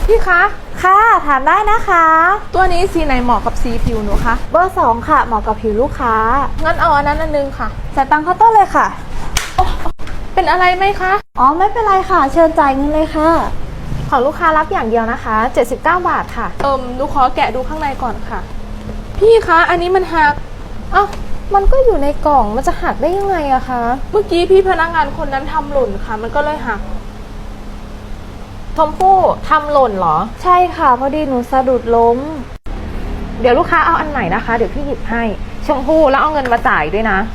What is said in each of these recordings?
พี่คะค่ะถามได้นะคะตัวนี้สีไหนเหมาะกับสีผิวหนูคะเบอร์2ค่ะเหมาะกับผิวลูกค้างั้นเอาอันนั้นอันนึงค่ะจ่ายตังค์เคาน์เตอร์เลยค่ะเป็นอะไรไหมคะอ๋อไม่เป็นไรค่ะเชิญจ่ายเงินเลยค่ะของลูกค้ารับอย่างเดียวนะคะ79 บาทค่ะหนูขอแกะดูข้างในก่อนค่ะพี่คะอันนี้มันหักมันก็อยู่ในกล่องมันจะหักได้ยังไงอะคะเมื่อกี้พี่พนักงานคนนั้นทำหล่นค่ะมันก็เลยหักชมพู่ทำหล่นเหรอใช่ค่ะพอดีหนูสะดุดล้มเดี๋ยวลูกค้าเอาอันใหม่นะคะเดี๋ยวพี่หยิบให้ชมพู่แล้วเอาเงินมาจ่ายด้วยนะ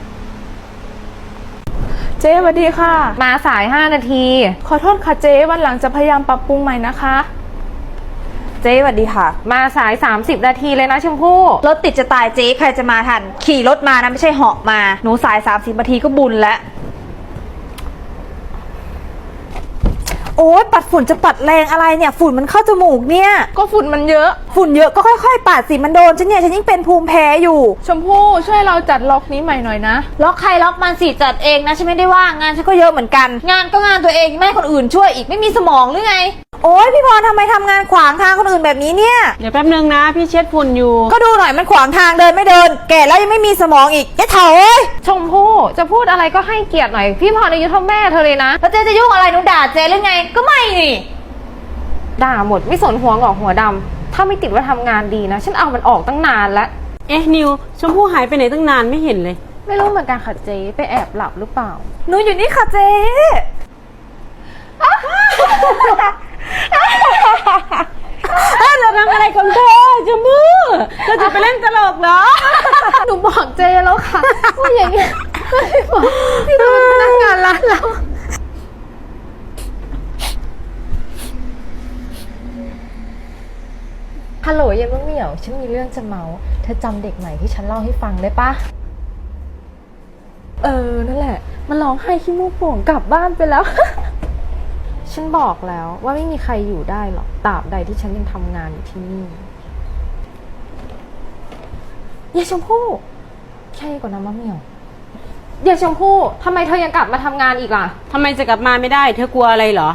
เจ๊สวัสดีค่ะมาสาย5 นาทีขอโทษค่ะเจ๊วันหลังจะพยายามปรับปรุงใหม่นะคะเจ๊สวัสดีค่ะมาสาย30 นาทีเลยนะชมพู่รถติดจะตายเจ๊ใครจะมาทันขี่รถมานะไม่ใช่เหาะมาหนูสาย30 นาทีก็บุญแล้วโอ๊ยปัดฝุ่นจะปัดแรงอะไรเนี่ยฝุ่นมันเข้าจมูกเนี่ยก็ฝุ่นมันเยอะฝุ่นเยอะก็ค่อยๆปัดสิมันโดนฉันเนี่ยฉันยิ่งเป็นภูมิแพ้อยู่ชมพู่ช่วยเราจัดล็อกนี้ใหม่หน่อยนะล็อกใครล็อกมันสิจัดเองนะฉันไม่ได้ว่างงานฉันก็เยอะเหมือนกันงานก็งานตัวเองไม่ให้คนอื่นช่วยอีกไม่มีสมองหรือไงโอ๊ยพี่พรทำไมทำงานขวางทางคนอื่นแบบนี้เนี่ยเดี๋ยวแป๊บนึงนะพี่เช็ดฝุ่นอยู่ก็ดูหน่อยมันขวางทางเดินไม่เดินแก่แล้วยังไม่มีสมองอีกแกเถอะเอ้ยชมพู่จะพูดอะไรก็ให้เกียรติหน่อยพี่พรอายุเท่าแม่เธอเลยนะแล้วเจ๊จะยุ่งอะไรหนูด่าเจ๊หรือไงก็ไม่นี่ด่าหมดไม่สนหัวงอกหัวดำถ้าไม่ติดว่าทำงานดีนะฉันเอามันออกตั้งนานแล้วนิวชมพู่หายไปไหนตั้งนานไม่เห็นเลยไม่รู้เหมือนกันค่ะเจ๊ไปแอบหลับหรือเปล่าหนูอยู่นี่ค่ะเจ๊เราทำอะไรของเธอชมพู่เราจะไปเล่นตลกเหรอหนูบอกเจ๊แล้วค่ะว่าอย่างเงี้ยพี่เป็นพนักงานร้านเราฮัลโหลเย็นมะเหมี่ยวฉันมีเรื่องจะเมาเธอจำเด็กใหม่ที่ฉันเล่าให้ฟังได้ปะนั่นแหละมันร้องไห้ขี้มูกโป่งกลับบ้านไปแล้ว ฉันบอกแล้วว่าไม่มีใครอยู่ได้หรอกตราบใดที่ฉันยังทำงานอยู่ที่นี่ยายชมพู่ใช่กว่านะมะเหมี่ยวยายชมพู่ทำไมเธอยังกลับมาทำงานอีกล่ะทำไมจะกลับมาไม่ได้เธอกลัวอะไรเหรอ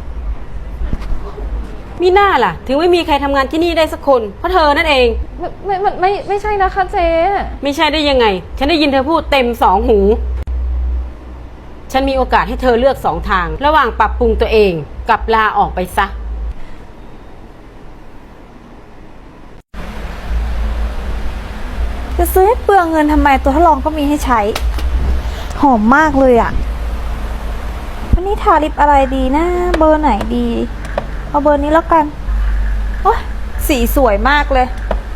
มีหน้าล่ะถึงไม่มีใครทำงานที่นี่ได้สักคนเพราะเธอนั่นเองไม่ใช่นะคะเจ๊ไม่ใช่ได้ยังไงฉันได้ยินเธอพูดเต็ม2 หูฉันมีโอกาสให้เธอเลือก2 ทางระหว่างปรับปรุงตัวเองกับลาออกไปซะจะซื้อให้เปลืองเงินทำไมตัวทดลองก็มีให้ใช้หอมมากเลยอ่ะวันนี้ทาลิปอะไรดีนะเบอร์ไหนดีเอาเบอร์นี้แล้วกันโอ้ยสีสวยมากเลย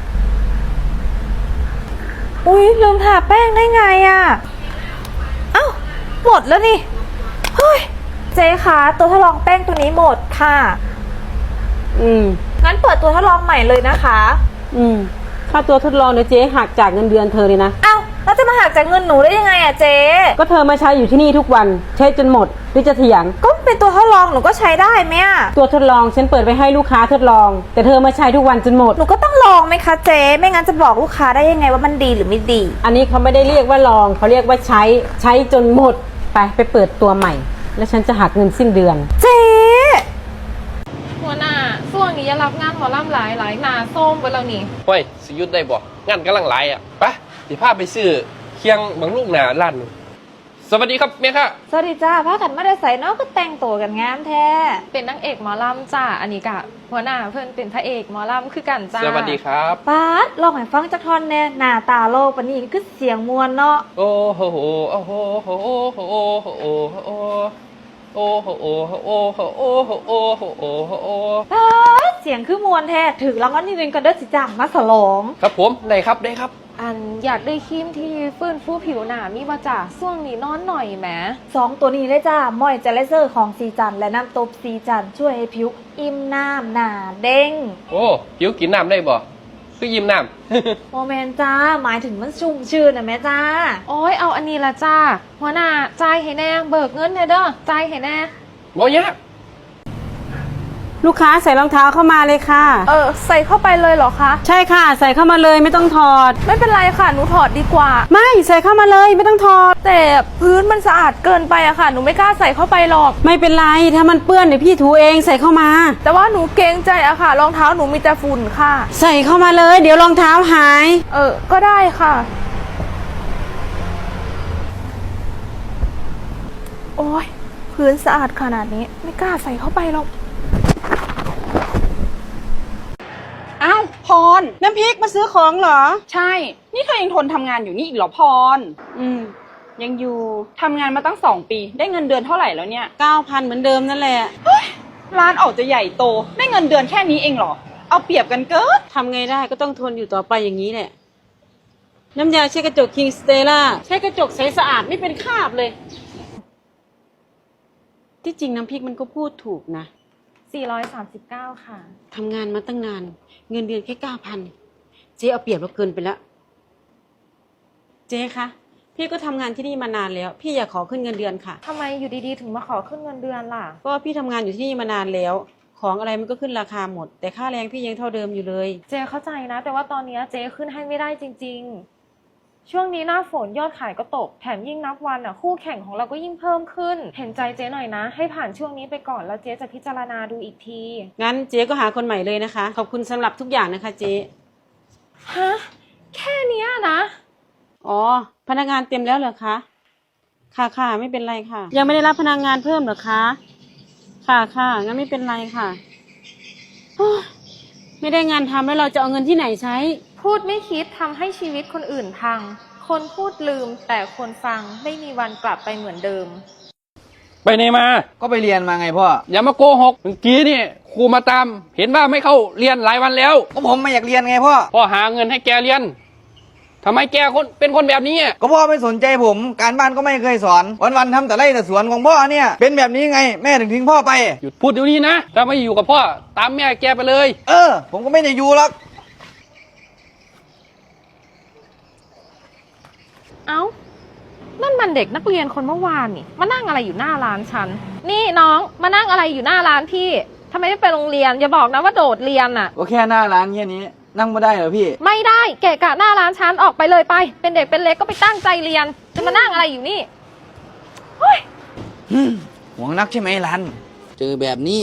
อุ๊ยลืมทาแป้งได้ไงอ่ะเอ้าหมดแล้วนี่เฮ้ยเจ๊คะตัวทดลองแป้งตัวนี้หมดค่ะงั้นเปิดตัวทดลองใหม่เลยนะคะค่าตัวทดลองเดี๋ยวเจ๊หักจากเงินเดือนเธอเลยนะเอ้าแล้วจะมาหักจากเงินหนูได้ยังไงอ่ะเจ๊ก็เธอมาใช้อยู่ที่นี่ทุกวันใช้จนหมดหรือจะเถียงก็เป็นตัวทดลองหนูก็ใช้ได้ไหมอ่ะตัวทดลองฉันเปิดไปให้ลูกค้าทดลองแต่เธอมาใช้ทุกวันจนหมดหนูก็ต้องลองไหมคะเจ๊ไม่งั้นจะบอกลูกค้าได้ยังไงว่ามันดีหรือไม่ดีอันนี้เขาไม่ได้เรียกว่าลองเขาเรียกว่าใช้จนหมดไปเปิดตัวใหม่แล้วฉันจะหักเงินสิ้นเดือนเจ๊หัวหน้าช่วงนี้จะรับงานหมอลำหลายหนาส้มไปแล้วนี่เฮ้ยสิยุดได้บ่งานกำลังหลายอ่ะไปสิพาไปซื้อเคียงบางลูกหนาร้านสวัสดีครับแม่ค่ะสวัสดีจ้าพากันมาได้ใส่เนาะก็แต่งตัวกันงามแท้เป็นนางเอกหมอลำจ้าอันนี้กะหัวหน้าเพื่อนเป็นพระเอกหมอลำคือกันจ้าสวัสดีครับป๊าดลองให้ฟังจักท่อนแน่หน้าตาโลกปานนี้คือเสียงมวลเนาะโอ้โหโอ้โหโอ้โหโอ้โหโอ้โหโอ้โหโอ้โหโอ้โหโอ้โหโอ้โหโอ้โหโอ้เสียงคือมวลแท้ถึงรางวัลที่1กันเด้อสิจ้ามาฉลองครับผมได้ครับอันอยากได้ครีมที่ฟื้นฟูผิวหนามีมาจ่าช่วงนี้นอนหน่อยแหม 2ตัวนี้เลยจ้ามอยเจลเซอร์ของซีจันและน้ำตบซีจันช่วยให้ผิวอิ่มน้ำหนาเด้งโอ้ผิวกินน้ำได้บ่คือยิ้มน้ำโมเมนจ้าหมายถึงมันชุ่มชื่นนะแม่จ้าโอ้ยเอาอันนี้ละจ้าหัวหน้าจ่ายให้แน่เบิกเงินเด้อจ่ายให้แน่บ่ยากลูกค้าใส่รองเท้าเข้ามาเลยค่ะใส่เข้าไปเลยเหรอคะใช่ค่ะ ใส่เข้ามาเลยไม่ต้องถอดไม่เป็นไรค่ะ หนูถอดดีกว่าไม่ใส่เข้ามาเลยไม่ต้องถอดแต่พื้นมันสะอาดเกินไปอะค่ะ หนูไม่กล้าใส่เข้าไปหรอกไม่เป็นไรถ้ามันเปื้อนเดี๋ยวพี่ถูเองใส่เข้ามาแต่ว่าหนูเกรงใจอะค่ะ รองเท้าหนูมีแต่ฝุ่นค่ะใส่เข้ามาเลยเดี๋ยวรองเท้าหายก็ได้ค่ะ โอ้ยพื้นสะอาดขนาดนี้ไม่กล้าใส่เข้าไปหรอกอ้าวพรน้ำพริกมาซื้อของเหรอใช่ นี่เธอยังทนทำงานอยู่นี่อีกเหรอพรยังอยู่ทำงานมาตั้ง2 ปีได้เงินเดือนเท่าไหร่แล้วเนี่ย 9,000เหมือนเดิมนั่นแหละร้านออกจะใหญ่โตได้เงินเดือนแค่นี้เองเหรอ เอาเปรียบกันเกินทำไงได้ก็ต้องทนอยู่ต่อไปอย่างนี้แหละ น้ำยาเช็ดกระจกคิงสเตล่าใช้กระจกใสสะอาดไม่เป็นคราบเลย ที่จริงน้ำพริกมันก็พูดถูกนะ 439 ค่ะทำงานมาตั้งนาน เงินเดือนแค่9,000เจ๊เอาเปรียบเราเกินไปแล้ว เจ๊คะพี่ก็ทำงานที่นี่มานานแล้ว พี่อยากขอขึ้นเงินเดือนค่ะทำไมอยู่ดีๆ ถึงมาขอขึ้นเงินเดือนล่ะก็พี่ทำงานอยู่ที่นี่มานานแล้ว ของอะไรมันก็ขึ้นราคาหมด แต่ค่าแรงพี่ยังเท่าเดิมอยู่เลยเจเข้าใจนะ แต่ว่าตอนนี้เจขึ้นให้ไม่ได้จริงๆ ช่วงนี้หน้าฝนยอดขายก็ตก แถมยิ่งนับวันคู่แข่งของเราก็ยิ่งเพิ่มขึ้น เห็นใจเจหน่อยนะ ให้ผ่านช่วงนี้ไปก่อนแล้วเจจะพิจารณาดูอีกทีงั้นเจ๊ก็หาคนใหม่เลยนะคะ ขอบคุณสำหรับทุกอย่างนะคะเจ๊ฮะ แค่เนี้ยนะอ๋อพนักงานเต็มแล้วเหรอคะค่ะไม่เป็นไรค่ะ ยังไม่ได้รับพนักงานเพิ่มเหรอคะค่ะงั้นไม่เป็นไรค่ะโอ้ยไม่ได้งานทำแล้วเราจะเอาเงินที่ไหนใช้พูดไม่คิดทำให้ชีวิตคนอื่นพัง คนพูดลืมแต่คนฟังไม่มีวันกลับไปเหมือนเดิมไปไหนมาก็ไปเรียนมาไงพ่ออย่ามาโกหกเมื่อกี้นี่ครูมาตาม เห็นว่าไม่เข้าเรียนหลายวันแล้วก็ผมไม่อยากเรียนไงพ่อพ่อหาเงินให้แกเรียนทำไมแกเป็นคนแบบนี้อะก็พ่อไม่สนใจผม การบ้านก็ไม่เคยสอน วันๆทำแต่ไร่แต่สวนของพ่อเนี่ย เป็นแบบนี้ไง แม่ถึงทิ้งพ่อไปหยุดพูดเดี๋ยวนี้นะถ้าไม่อยู่กับพ่อตามแม่แกไปเลยผมก็ไม่ได้อยู่หรอกเอ้า นั่นมันเด็กนักเรียนคนเมื่อวานนี่ มานั่งอะไรอยู่หน้าร้านฉัน นี่น้องมานั่งอะไรอยู่หน้าร้านพี่ทำไมไม่ไปโรงเรียน อย่าบอกนะว่าโดดเรียนน่ะก็แค่หน้าร้านแค่นี้ นั่งไม่ได้เหรอพี่ไม่ได้เกะกะหน้าร้านฉันออกไปเลยไป เป็นเด็กเป็นเล็กก็ไปตั้งใจเรียน จะมานั่งอะไรอยู่นี่เฮ้ยหวงนักใช่ไหมรัน เจอแบบนี้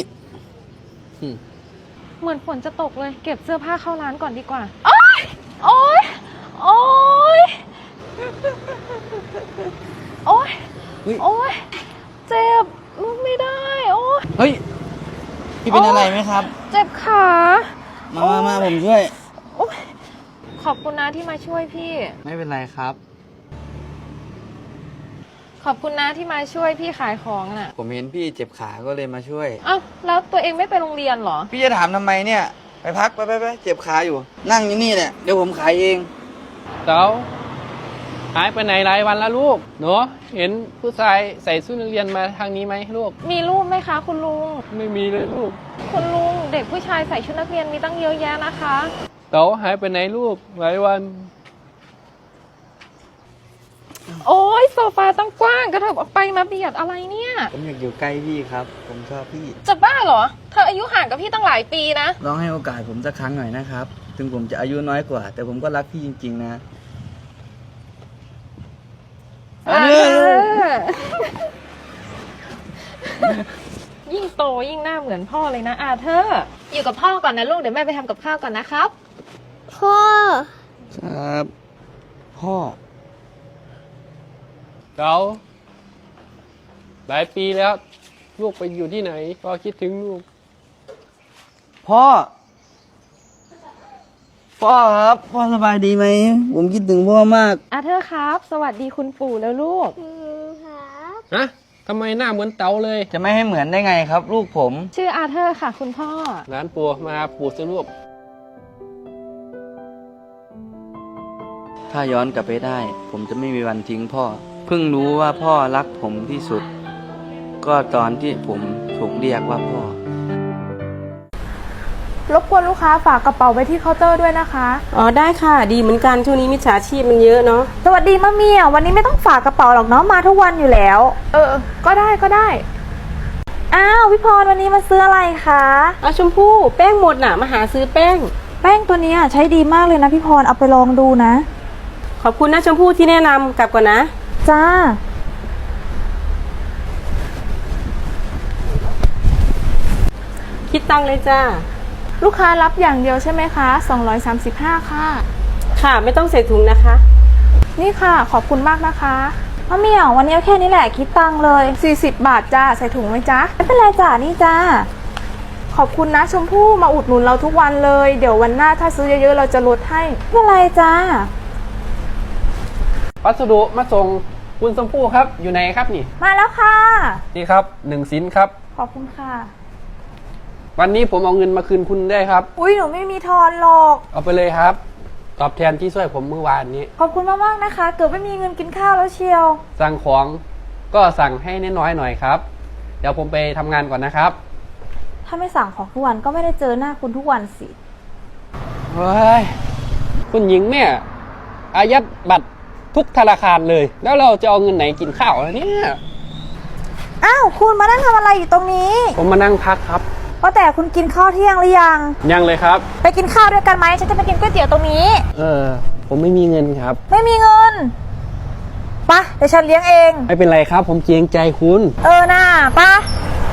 เหมือนฝนจะตกเลย เก็บเสื้อผ้าเข้าร้านก่อนดีกว่า โอ๊ย โอ๊ย โอ๊ย โอ๊ยเฮ้ยโอ๊ย เจ็บลุกไม่ได้ โอ๊ยเฮ้ย พี่เป็นอะไรไหมครับเจ็บขามาผมช่วยโอ๊ยขอบคุณนะที่มาช่วยพี่ไม่เป็นไรครับขอบคุณนะที่มาช่วยพี่ขายของน่ะผมเห็นพี่เจ็บขาก็เลยมาช่วยเอ้าแล้วตัวเองไม่ไปโรงเรียนเหรอพี่จะถามทำไมเนี่ย ไปพักไปเจ็บขาอยู่ นั่งอยู่นี่แหละ เดี๋ยวผมขายเองเต๋าหายไปไหนหลายวันแล้วลูกหนูเห็นผู้ชายใส่ชุดนักเรียนมาทางนี้ไหมลูกมีรูปไหมคะคุณลุงไม่มีเลยลูกคุณลุงเด็กผู้ชายใส่ชุดนักเรียนมีตั้งเยอะแยะนะคะเต๋าหายไปไหนลูกหลายวันโอ้ยโซฟาตั้งกว้างกระเถิบออกไปมาเบียดอะไรเนี่ยผมอยากอยู่ใกล้พี่ครับ ผมชอบพี่จะบ้าเหรอ เธออายุห่างกับพี่ตั้งหลายปีนะลองให้โอกาสผมสักครั้งหน่อยนะครับ ถึงผมจะอายุน้อยกว่า แต่ผมก็รักพี่จริงๆนะยิ่งโตยิ่งหน้าเหมือนพ่อเลยนะอาเธอร์อยู่กับพ่อก่อนนะลูกเดี๋ยวแม่ไปทำกับข้าวก่อนนะครับพ่อครับ พ่อเต๋าหลายปีแล้ว ลูกไปอยู่ที่ไหนพ่อคิดถึงลูกพ่อ พ่อครับ พ่อสบายดีไหม ผมคิดถึงพ่อมากอาเธอร์ครับ สวัสดีคุณปู่แล้วลูกฮะทำไมหน้าเหมือนเต๋าเลยจะไม่ให้เหมือนได้ไงครับ ลูกผมชื่ออาเธอร์ค่ะ คุณพ่อร้านปู่มาปู่สิลูกถ้าย้อนกลับไปได้ ผมจะไม่มีวันทิ้งพ่อ เพิ่งรู้ว่าพ่อรักผมที่สุด ก็ตอนที่ผมถูกเรียกว่าพ่อรบกวนลูกค้าฝากกระเป๋าไว้ที่เคาน์เตอร์ด้วยนะคะอ๋อได้ค่ะ ดีเหมือนกันช่วงนี้มิจฉาชีพมันเยอะเนาะสวัสดีมะเมียวันนี้ไม่ต้องฝากกระเป๋าหรอกเนาะมาทุกวันอยู่แล้วก็ได้อ้าวพี่พรวันนี้มาซื้ออะไรคะชมพู่แป้งหมดน่ะมาหาซื้อแป้งแป้งตัวเนี้ยใช้ดีมากเลยนะพี่พรเอาไปลองดูนะขอบคุณนะชมพู่ที่แนะนำกลับก่อนนะจ้าคิดตังค์เลยจ้าลูกค้ารับอย่างเดียวใช่ไหมคะ235ค่ะค่ะไม่ต้องใส่ถุงนะคะนี่ค่ะขอบคุณมากนะคะมะเหมี่ยววันนี้เอาแค่นี้แหละคิดตังค์เลย 40 บาทจ้าใส่ถุงไหมจ๊ะไม่เป็นไรจ้านี่จ้าขอบคุณนะชมพู่มาอุดหนุนเราทุกวันเลย เดี๋ยววันหน้าถ้าซื้อเยอะๆเราจะลดให้ไม่เป็นไรจ้าพัสดุมาส่งคุณชมพู่ครับ อยู่ไหนครับนี่มาแล้วค่ะนี่ครับ1 ชิ้นครับขอบคุณค่ะวันนี้ผมเอาเงินมาคืนคุณได้ครับอุ้ยหนูไม่มีทอนหรอกเอาไปเลยครับ ตอบแทนที่ช่วยผมเมื่อวานนี้ขอบคุณมากๆนะคะ เกือบไม่มีเงินกินข้าวแล้วเชียวสั่งของก็สั่งให้น้อยๆหน่อยครับ เดี๋ยวผมไปทำงานก่อนนะครับถ้าไม่สั่งของทุกวันก็ไม่ได้เจอหน้าคุณทุกวันสิเฮ้ย คุณหญิงเนี่ยอายัดบัตรทุกธนาคารเลย แล้วเราจะเอาเงินไหนกินข้าวล่ะเนี่ยอ้าวคุณมานั่งทำอะไรอยู่ตรงนี้ผมมานั่งพักครับว่าแต่คุณกินข้าวเที่ยงหรือยังยังเลยครับไปกินข้าวด้วยกันไหมฉันจะไปกินก๋วยเตี๋ยวตรงนี้ผมไม่มีเงินครับไม่มีเงินปะเดี๋ยวฉันเลี้ยงเองไม่เป็นไรครับ ผมเกรงใจคุณน่าปะ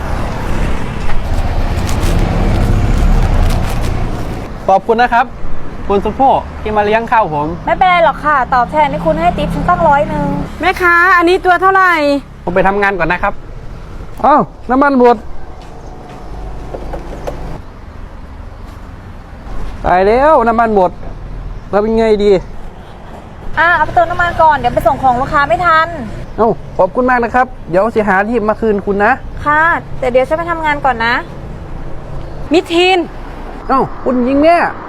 ขอบคุณนะครับ คุณสุโภที่มาเลี้ยงข้าวผมไม่เป็นไรหรอกค่ะ ตอบแทนที่คุณให้ติ๊บฉันตั้ง100 แม่ค้าอันนี้ตัวเท่าไหร่ผมไปทำงานก่อนนะครับอ้าวน้ำมันหมดตายแล้วน้ำมันหมดเราเป็นไงดีเอาไปเติมน้ำมันก่อน เดี๋ยวไปส่งของลูกค้าไม่ทันเอ้าขอบคุณมากนะครับ เดี๋ยวสิหาที่มาคืนคุณนะค่ะแต่เดี๋ยวฉันไปทำงานก่อนนะมิทีนเอ้าคุณยิงเนี่ย